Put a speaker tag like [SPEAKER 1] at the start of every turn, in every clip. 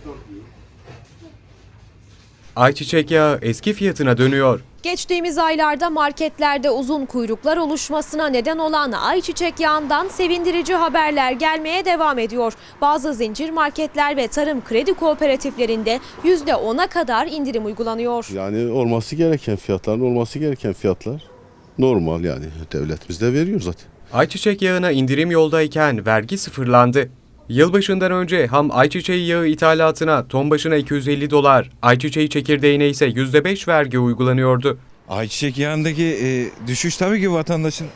[SPEAKER 1] Ayçiçek yağı eski fiyatına dönüyor.
[SPEAKER 2] Geçtiğimiz aylarda marketlerde uzun kuyruklar oluşmasına neden olan ayçiçek yağından sevindirici haberler gelmeye devam ediyor. Bazı zincir marketler ve tarım kredi kooperatiflerinde %10'a kadar indirim uygulanıyor.
[SPEAKER 3] Yani olması gereken fiyatların olması gereken fiyatlar normal, yani devletimiz de veriyor zaten.
[SPEAKER 1] Ayçiçek yağına indirim yoldayken vergi sıfırlandı. Yılbaşından önce ham ayçiçeği yağı ithalatına ton başına $250, ayçiçeği çekirdeğine ise %5 vergi uygulanıyordu.
[SPEAKER 4] Ayçiçek yağındaki düşüş tabii ki vatandaşın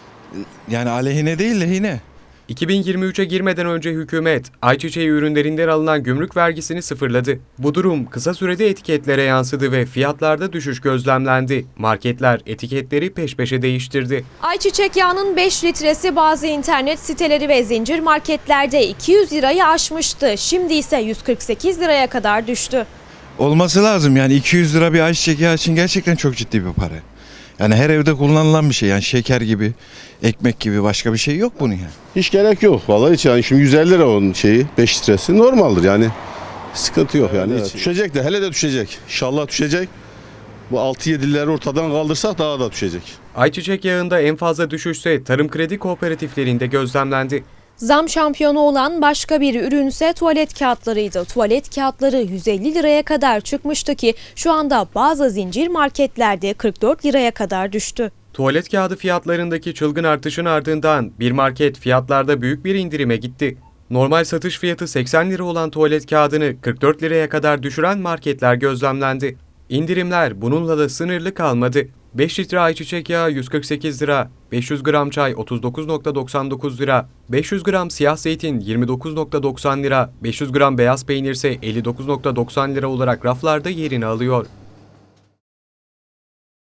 [SPEAKER 4] yani aleyhine değil lehine.
[SPEAKER 1] 2023'e girmeden önce hükümet ayçiçeği ürünlerinden alınan gümrük vergisini sıfırladı. Bu durum kısa sürede etiketlere yansıdı ve fiyatlarda düşüş gözlemlendi. Marketler etiketleri peş peşe değiştirdi.
[SPEAKER 2] Ayçiçek yağının 5 litresi bazı internet siteleri ve zincir marketlerde 200 lirayı aşmıştı. Şimdi ise 148 liraya kadar düştü.
[SPEAKER 4] Olması lazım yani 200 lira bir ayçiçek yağı için gerçekten çok ciddi bir para. Yani her evde kullanılan bir şey, yani şeker gibi, ekmek gibi başka bir şey yok bunun yani.
[SPEAKER 3] Hiç gerek yok vallahi, hiç yani. Şimdi 150 lira onun 5 litresi normaldir yani. Sıkıntı yok yani. Evet. Düşecek de, hele de düşecek. İnşallah düşecek. Bu 6-7'leri ortadan kaldırsak daha da düşecek.
[SPEAKER 1] Ayçiçek yağında en fazla düşüşse tarım kredi kooperatiflerinde gözlemlendi.
[SPEAKER 2] Zam şampiyonu olan başka bir ürünse tuvalet kağıtlarıydı. Tuvalet kağıtları 150 liraya kadar çıkmıştı ki şu anda bazı zincir marketlerde 44 liraya kadar düştü.
[SPEAKER 1] Tuvalet kağıdı fiyatlarındaki çılgın artışın ardından bir market fiyatlarda büyük bir indirime gitti. Normal satış fiyatı 80 lira olan tuvalet kağıdını 44 liraya kadar düşüren marketler gözlemlendi. İndirimler bununla da sınırlı kalmadı. 5 litre ayçiçek yağı 148 lira, 500 gram çay 39,99 lira, 500 gram siyah zeytin 29,90 lira, 500 gram beyaz peynir ise 59,90 lira olarak raflarda yerini alıyor.